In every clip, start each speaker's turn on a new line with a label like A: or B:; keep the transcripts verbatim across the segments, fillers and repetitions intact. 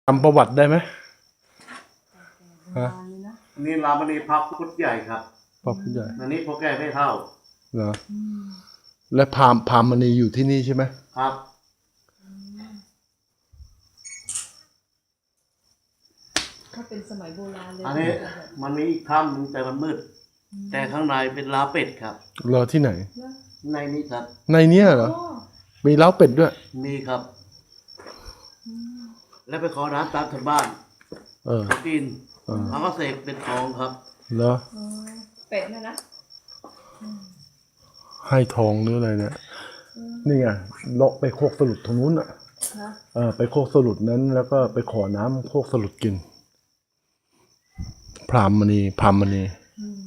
A: จำประวัติได้ไหมฮะ
B: นี่รามณีพระพุทธใหญ่ครับ
A: พระพุทธใหญ่
B: อันนี้พ่อแก่ไม่เท่า
A: เหรอและพราหมณ์พราหมณีอยู่ที่นี่ใช่ไหม
B: ครับ
C: ถ้าเป็นสมัยโบราณเลย
B: อันนี้มันมีอีกถ้ำหนึงแต่มันมืด แต่ข้างในเป็นลาเป็ดครับ
A: เหรอที่ไหน
B: ในนี้ครับ
A: ในเนี้ยเหรอ
C: โอ้
A: มีเล้าเป็ดด้วย
B: มีครับ แล้วไปขอน้ำตามชาวบ้าน
A: เออ
B: เขากิน
A: เออ
B: เขาก็เสกเป็นทองครับ
A: เหรอ
C: อ๋อเป็ดนะนะ
A: ให้ทองหรืออะไรเนี่ยนี่ไงเลาะไปโคกสลุดตรงนู้นอ่ะ
C: ฮะ
A: เออไปโคกสลุดนั้น แล้วก็ไปขอน้ำโคกสลุดกิน พราหมณีพราหมณี
C: อืม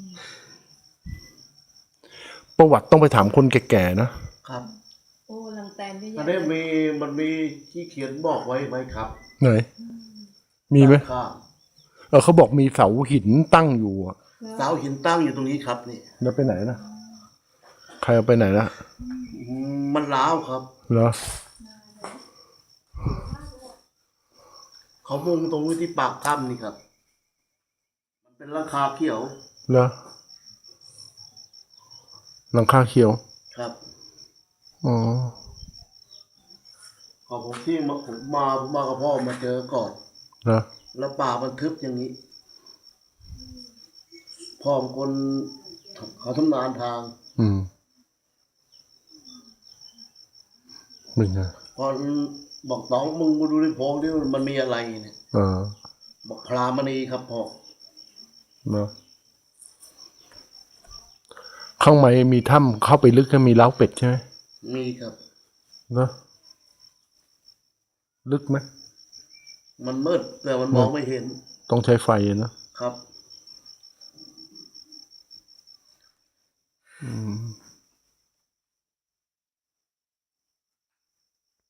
A: ประวัติต้องไปถามคนแก่ๆนะครับ
C: โอ้ลังแตนเยอะ
B: อัน
C: แยะ
B: นี้มีมันมีที่เขียนบอกไว้ไหมครับ
A: ไหนมีไหม
B: ข้าง
A: เออเขาบอกมีเสาหินตั้งอยู่อะ
B: เสาหินตั้งอยู่ตรงนี้ครับนี่
A: แล้วไปไหนนะใครเอาไปไหนละ
B: อืมมันร้าวครับ
A: เหรอ
B: เขามุงตรงนี้ที่ปากถ้ำนี่ครับ มันเป็นราคาเขียว
A: เหรอหลังคาเขียว
B: ครับ
A: อ๋อ
B: ขอผมที่มาผมมาผมมากับพ่อมาเจอก่อน
A: เหรอ
B: แล้วป่ามันทึบอย่างนี้ พ่อเป็นคนเขาทำนานทาง
A: อืมเป็นไง
B: พอบอกน้องมึงมาดูในโพรงดิมันมีอะไรเนี่ย
A: เออ
B: บอกพรามณีครับพ่อ
A: เหรอข้างในมีถ้ำเข้าไปลึกก็มีเล้าเป็ดใช่ไหม
B: มีครับ
A: เหรอลึกไหม
B: มันมืดแต่มันมองไม่เห็น
A: ต้องใช้ไฟอะนะครับ อืม